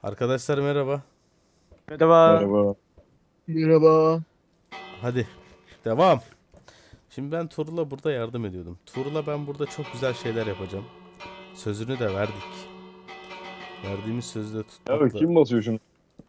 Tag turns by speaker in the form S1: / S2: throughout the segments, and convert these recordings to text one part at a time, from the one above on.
S1: Arkadaşlar merhaba.
S2: Merhaba.
S3: Merhaba.
S2: Merhaba.
S1: Hadi devam. Şimdi ben Tuğrul'a burada yardım ediyordum. Tuğrul'a ben burada çok güzel şeyler yapacağım. Sözünü de verdik. Verdiğimiz sözü de
S3: Ya
S1: tutmakla.
S3: kim basıyor şunu?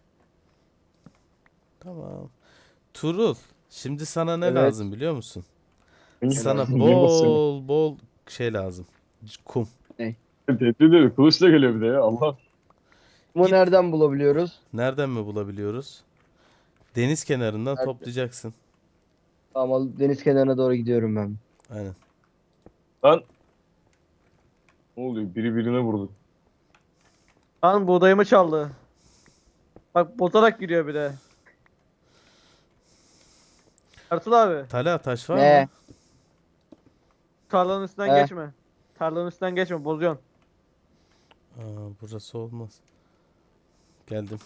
S1: Tamam. Tuğrul, şimdi sana ne
S2: Evet.
S1: lazım biliyor musun?
S3: Niye,
S1: Sana
S3: niye basıyor?
S1: bol bol şey lazım. Kum.
S2: Ne?
S3: Tehdit ediyor. Kılıçla geliyor bir de ya. Allah.
S2: Bunu
S1: Git.
S2: nereden bulabiliyoruz?
S1: Nereden mi bulabiliyoruz? Deniz kenarından
S2: Nerede?
S1: toplayacaksın.
S2: Tamam, deniz kenarına doğru gidiyorum ben.
S1: Aynen.
S3: Lan. Ne oluyor? Biri birine vurdu.
S4: Lan buğdayımı çaldı. Bak bozarak giriyor bir de. Ertuğrul abi.
S1: Tala taş var mı?
S2: Ne?
S4: Tarlanın üstünden
S2: He.
S4: geçme. Tarlanın üstünden geçme bozuyorsun.
S1: Aa, burası olmaz. Geldim.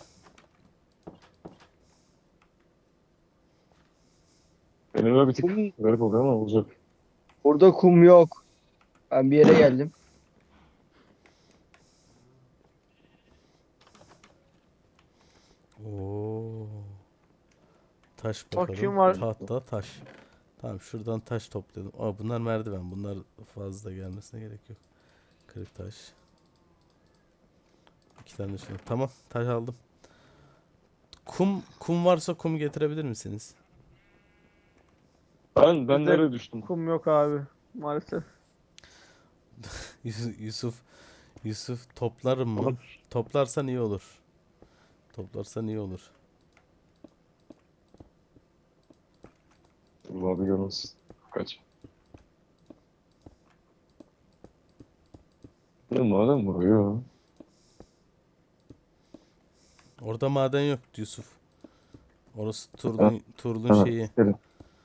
S3: Benim bir tık
S2: Kum,
S3: garip oluyor ama olacak.
S2: burada kum yok. Ben bir yere geldim.
S1: Oo. Taş
S4: Bak
S1: bakalım.
S4: kim var?
S1: Tahta taş. Tamam şuradan taş toplayalım. Aa, bunlar merdiven. Bunlar fazla gelmesine gerek yok. Kırık taş. İki tane şunu. Tamam taş aldım. Kum varsa kum getirebilir misiniz?
S3: Ben
S4: Bizde
S3: nereye düştüm?
S4: kum yok abi. Maalesef.
S1: Yusuf Yusuf toplarım mı? Toplarsan iyi olur. Toplarsan iyi olur.
S3: Allah bir görmesin. Kaç. Ne madem vuruyor.
S1: Orada maden yok Yusuf. Orası
S3: Ha,
S1: Turlun
S3: ha.
S1: şeyi.
S3: Gelin.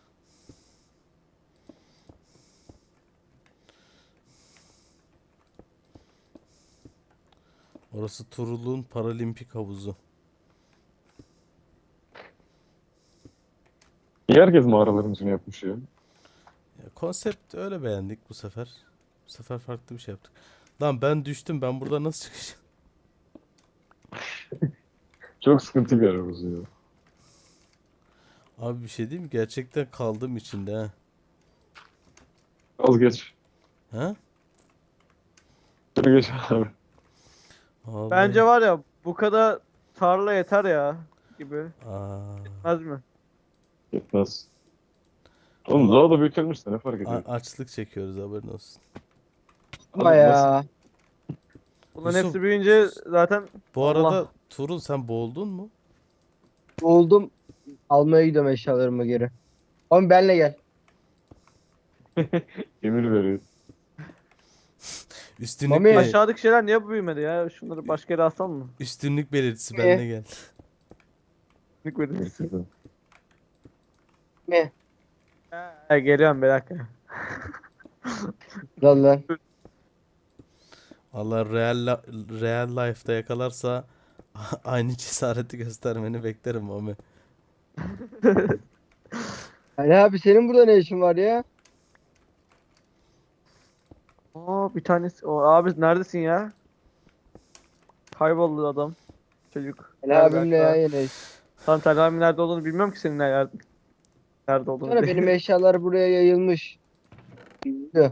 S1: Orası Turul'un paralimpik havuzu.
S3: Niye herkes mağaraların içine yapmış ya?
S1: Ya, konsept öyle beğendik bu sefer. Bu sefer farklı bir şey yaptık. Lan ben düştüm. Ben burada nasıl çıkacağım?
S3: Çok sıkıntı bir yer orası ya.
S1: Abi bir şey diyeyim mi? Gerçekten kaldım içinde ha.
S3: Az geç.
S1: Ha?
S3: Şöyle geç abi.
S1: Vallahi.
S4: Bence var ya bu kadar tarla yeter ya gibi.
S1: Aa.
S4: Yetmez mi?
S3: Yetmez. Oğlum
S1: Valla
S3: daha da büyütülmüş de ne fark ediyor?
S1: açlık çekiyoruz haberin olsun.
S2: Ama
S3: Abi nasıl?
S2: ya.
S4: Bunların
S1: Yusuf
S4: hepsi büyüyünce zaten
S1: bu arada
S4: Allah.
S1: Turul sen boğuldun mu?
S2: Buldum. Almaya gidiyorum eşyalarımı geri. Ama benle gel.
S3: Emir veriyor.
S1: Üstünlük
S2: Mami.
S4: Aşağıdaki şeyler niye büyümedi ya? Şunları başka yere alsam mı?
S1: üstünlük belirtisi
S2: Ne?
S1: benle gel.
S4: Minik verirsin.
S3: Gerçekten.
S2: Ne?
S4: Geliyorum bir dakika.
S2: Lan lan.
S1: Allah real life'da yakalarsa aynı cesareti göstermeni beklerim Mami.
S2: Ali abi, senin burada ne işin var ya?
S4: Aa bir tanesi. O abi neredesin ya? Kayboldu adam. Çocuk.
S2: Ali
S4: Nerede
S2: abimle yan
S4: acaba?
S2: yanayız.
S4: Tam Selami nerede olduğunu bilmiyorum ki senin nerede olduğunu
S2: Sonra benim
S4: bile.
S2: eşyalar buraya yayılmış. Diyor.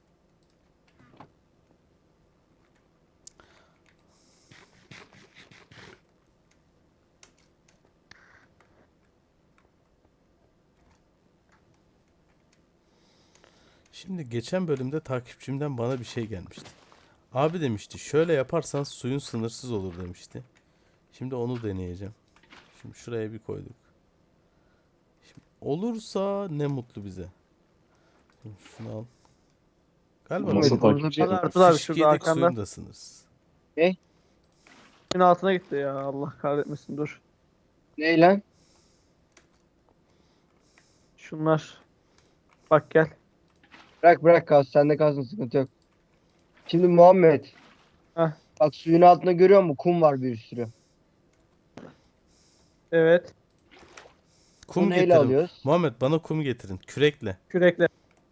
S1: Şimdi geçen bölümde takipçimden bana bir şey gelmişti. Abi demişti şöyle yaparsan suyun sınırsız olur demişti. Şimdi onu deneyeceğim. Şimdi şuraya bir koyduk. Şimdi olursa ne mutlu bize. Şimdi şunu al. Galiba
S3: Nasıl
S2: Burada
S3: takipçi
S2: bir
S4: Hadi
S3: yapıyor?
S4: Ertuğrul abi şurada
S1: fişkiyedik
S4: arkanda.
S1: suyun da sınırsız.
S2: ne?
S4: Suyun altına gitti ya. Allah kahretmesin dur.
S2: Ne lan?
S4: Şunlar. Bak gel.
S2: Bırak bırak, kalsın. Sende kalsın, sıkıntı yok. Şimdi Muhammed.
S4: Heh.
S2: Bak, suyun altında görüyor musun? Kum var bir sürü.
S4: Evet.
S1: Kum
S2: Bunu neyle
S1: getirin.
S2: alıyoruz?
S1: Muhammed bana kum getirin. Kürekle.
S4: Kürekle.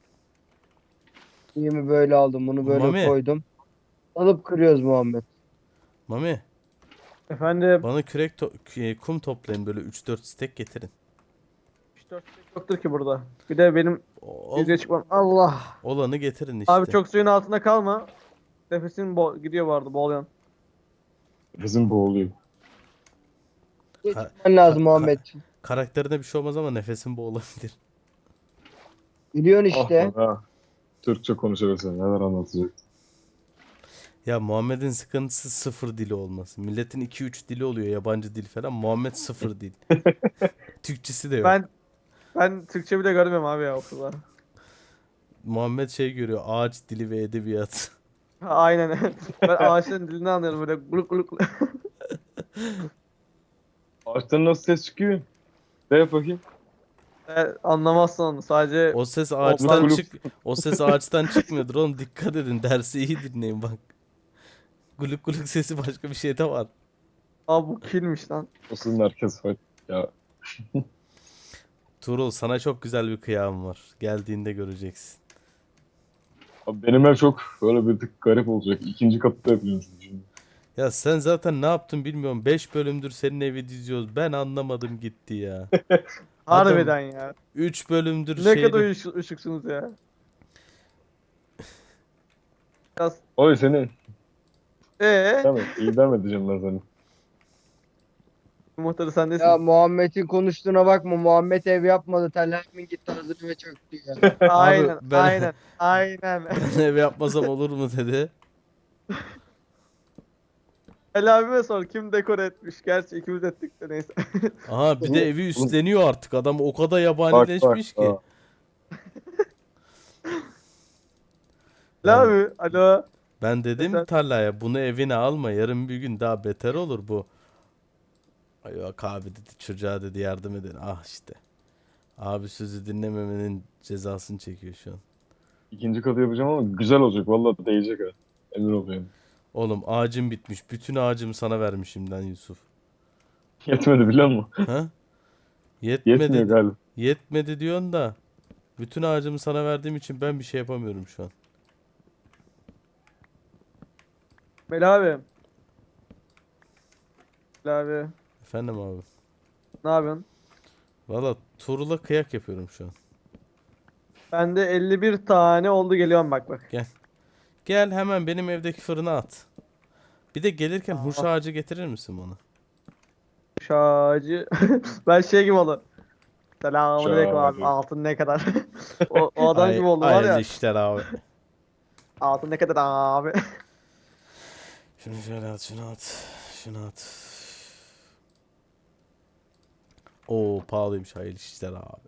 S2: Suyumu böyle aldım. Bunu böyle
S1: Mami.
S2: koydum. Alıp kırıyoruz Muhammed.
S1: Mami.
S4: Efendim.
S1: Bana kum toplayın, böyle 3-4 stek getirin.
S4: 3-4 yoktur ki burada. Bir de benim
S1: Ol,
S4: yüzeye çıkmam. Allah.
S1: olanı getirin
S4: Abi
S1: işte.
S4: çok suyun altında kalma. Nefesin gidiyor bu arada, boğuluyorsun.
S3: Bizim boğuluyor.
S1: Ka-
S2: Geçmen lazım
S1: ka-
S2: Muhammed.
S1: karakterine bir şey olmaz ama nefesin boğulabilir.
S2: Biliyorsun
S3: Ah
S2: işte.
S3: lan ha. Türkçe konuşabilsem neler anlatacak.
S1: Ya Muhammed'in sıkıntısı sıfır dili olması. Milletin 2-3 dili oluyor, yabancı dil falan. Muhammed sıfır dil. Türkçesi de yok.
S4: Ben Türkçe bile görmüyorum abi ya okulda.
S1: Muhammed şey görüyor, ağaç dili ve edebiyat.
S4: Aynen. Ben ağaçların dilini anlıyorum böyle guluk guluk.
S3: Ağaçtan nasıl ses çıkıyor? Ne yap bakayım?
S4: Anlamazsın onu. Sadece
S1: O ses
S4: Otlar-
S1: ağaçtan
S3: Kulüp.
S1: o ses ağaçtan çıkmıyordur oğlum, dikkat edin, dersi iyi dinleyin bak. Guluk guluk sesi başka bir şey de var.
S4: Abi bu kilmiş lan.
S3: O sizin herkes var. Ya
S1: Tuğrul, sana çok güzel bir kıyam var. Geldiğinde göreceksin.
S3: abi benim ev çok böyle bir tık garip olacak. İkinci katta yapıyorsun şimdi.
S1: Ya sen zaten ne yaptın bilmiyorum. 5 bölümdür senin evi diziyoruz. Ben anlamadım gitti ya. Adam
S4: Harbiden ya.
S1: 3 bölümdür
S4: Ne kadar
S1: şeyde.
S4: ışıksınız ya. Biraz...
S3: Oy seni.
S4: Ee,
S3: Tamam. İdam edeceğim ben seni.
S4: muhtarı sen
S2: Ya
S4: nesin?
S2: Muhammed'in konuştuğuna bakma. Muhammed ev yapmadı. Telhamin gitti hazır ve çöktü ya.
S4: Aynen,
S1: ben
S4: aynen, aynen.
S1: ben ev yapmasam olur mu dedi.
S4: Ali abime sor kim dekore etmiş. Gerçi ikimiz ettik de neyse.
S1: Aha, bir de evi üstleniyor artık. Adam o kadar
S3: Bak bak.
S1: yabanileşmiş ki.
S3: Aa.
S4: Ali
S1: Ben,
S4: abi, alo.
S1: ben dedim
S4: Mesela-
S1: tarlaya, bunu evine alma. Yarın bir gün daha beter olur bu. Ay yok abi dedi, çocuğa dedi yardım edin. Ah işte. Abi sözü dinlememenin cezasını çekiyor şu an.
S3: İkinci katı yapacağım ama güzel olacak. Vallahi değecek ha. Emin oluyorum.
S1: Oğlum ağacım bitmiş. Bütün ağacımı sana vermişim lan Yusuf.
S3: Yetmedi biliyor musun?
S1: Ha?
S3: Yetmiyor
S1: Yetmedi.
S3: galiba.
S1: Yetmedi diyorsun da. Bütün ağacımı sana verdiğim için ben bir şey yapamıyorum şu an.
S4: Melih abi. Melih abi.
S1: Efendim abi.
S4: Ne yapıyorsun?
S1: Valla Tuğrul'a kıyak yapıyorum şu an.
S4: Bende 51 tane oldu, geliyorum bak bak.
S1: Gel hemen benim evdeki fırına at. Bir de gelirken huş
S4: Aa.
S1: ağacı getirir misin bana?
S4: Şacı. Ben şey gibi oldu. Selamünaleyküm abi.
S3: Şacı.
S4: Altın ne kadar? O adam gibi oldu var
S1: Hayırlı
S4: ya.
S1: işler abi.
S4: Altın ne kadar abi?
S1: Şunu şöyle at, şunu at. Şunu at. Oo pahalıymış, hayırlı işler abi.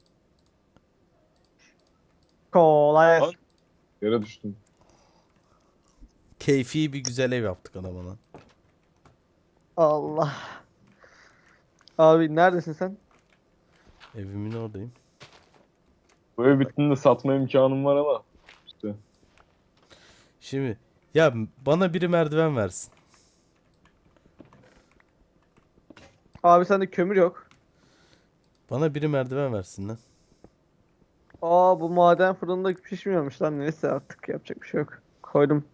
S4: Kolay
S3: Lan.
S4: gelsin.
S3: Yere düştüm.
S1: Keyfi bir güzel ev yaptık adama lan.
S4: Allah. Abi neredesin sen?
S1: Evimin oradayım.
S3: Bu ev bittiğinde satma imkanım var ama. İşte.
S1: Şimdi ya bana biri merdiven versin.
S4: Abi sende kömür yok.
S1: Bana biri merdiven versin lan.
S4: Aa, bu maden fırında pişmiyormuş lan, neyse artık yapacak bir şey yok. Koydum.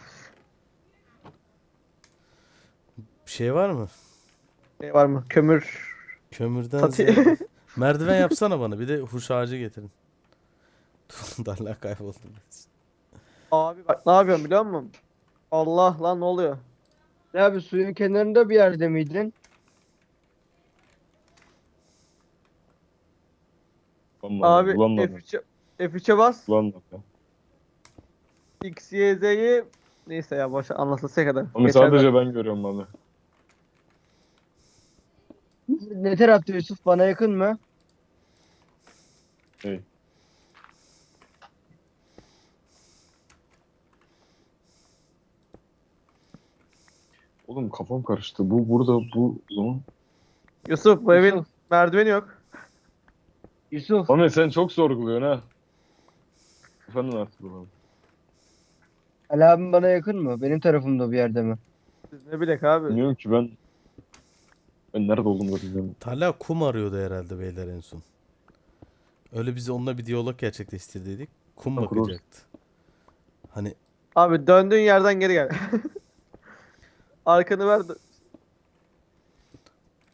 S1: Bir şey var mı?
S4: Ne var mı? Kömür.
S1: Kömürden
S4: Tati.
S1: ziyade. Merdiven yapsana bana. Bir de huş ağacı getirin. Darla kayboldu.
S4: Abi bak ne yapıyorum biliyor musun? Allah lan, ne oluyor?
S2: Ya abi suyun kenarında bir yerde miydin?
S4: Abi
S3: Bulanmadı.
S4: F3'e bas.
S3: Bulanmadı.
S4: X, Y, Z'yi neyse ya, boş anlatılsa kadar.
S3: Ama
S4: Geçer
S3: sadece ben görüyorum abi.
S2: Ne tarafta Yusuf? Bana yakın mı?
S3: Hey. Oğlum kafam karıştı. Bu burada bu zaman.
S4: Yusuf, bu evin
S2: Yusuf.
S4: merdiveni yok.
S2: Yusuf.
S3: Ahmet sen çok sorguluyorsun ha. Efendim artık bu.
S2: Ali abim bana yakın mı? Benim tarafımda bir yerde mi?
S4: Biz ne bilek abi.
S3: Bilmiyorum ki ben nerede olduğumu da bilmiyorum.
S1: Talha kum arıyordu herhalde beyler en son. Öyle biz onunla bir diyalog gerçekleştirdiydik. Kum
S3: Tamam, kurarız.
S1: bakacaktı. Hani
S4: Abi döndüğün yerden geri gel. Arkanı ver.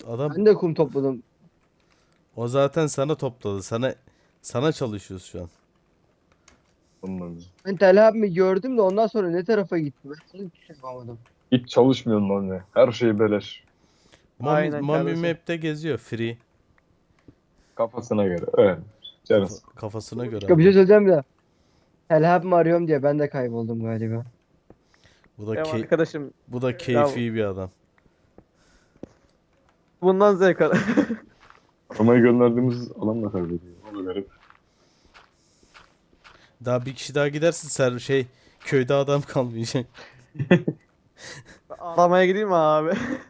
S1: Adam
S2: Ben de kum topladım.
S1: o zaten sana topladı. Sana çalışıyoruz şu an.
S3: Ondan.
S2: Ben Tel Abimi gördüm de ondan sonra ne tarafa gitti? Ben hiçbir şey yapamadım.
S3: Hiç çalışmıyorsun lan ya. Her şey beleş.
S4: Aynen
S1: Mami
S4: kardeşim.
S1: Map'te geziyor free.
S3: Kafasına göre. Evet. Canısı.
S1: Kafasına göre.
S2: Başka bir şey
S1: ama.
S2: söyleyeceğim de. Tel Abimi arıyorum diye ben de kayboldum galiba.
S1: Bu da
S4: Benim
S1: key-
S4: arkadaşım
S1: bu da keyfi bir adam.
S4: bundan zevk alır.
S3: Aramaya gönderdiğimiz alan da kaybediyor. O da garip.
S1: Daha bir kişi daha gidersin köyde adam kalmayacak.
S4: Aramaya gideyim mi abi?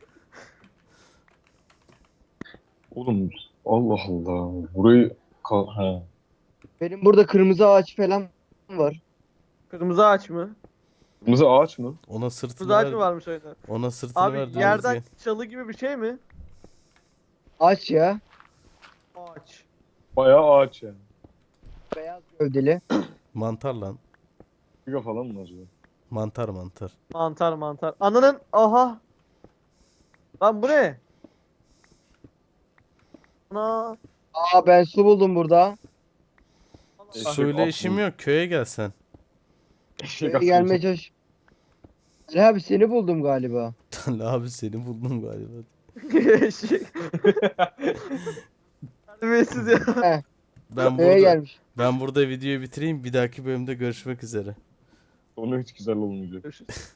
S3: Oğlum Allah Allah. Burayı ha.
S2: Benim burada kırmızı ağaç falan var.
S4: Kırmızı ağaç mı?
S3: Kırmızı ağaç mı?
S1: Ona sırtını
S4: Kırmızı ağaç
S1: ver.
S4: mı varmış oyunda?
S1: Ona sırtını ver.
S4: Abi
S1: diyoruz
S4: yerden
S1: gel.
S4: çalı gibi bir şey mi?
S2: Ağaç ya.
S4: Ağaç.
S3: Bayağı ağaç yani.
S2: Beyaz gövdeli.
S1: Mantar lan.
S3: Giga falan mı acaba?
S1: Mantar mantar.
S4: Mantar mantar. Ananın aha. Lan bu ne? Ana.
S2: Aa ben su buldum burada.
S3: Eşek
S1: Suyla
S3: atlı.
S1: işim yok. Köye gelsen.
S3: Eşek
S2: Şuraya gelmeye
S3: atlı.
S2: çalış. Tel abi seni buldum galiba.
S1: Abi seni buldum galiba.
S4: Eşek. Terbiyesiz ya.
S2: Heh,
S1: Ben
S2: köye
S1: burada
S2: gelmiş.
S1: ben burada videoyu bitireyim. Bir dahaki bölümde görüşmek üzere.
S3: Sonu hiç güzel olmayacak.
S4: Görüşürüz.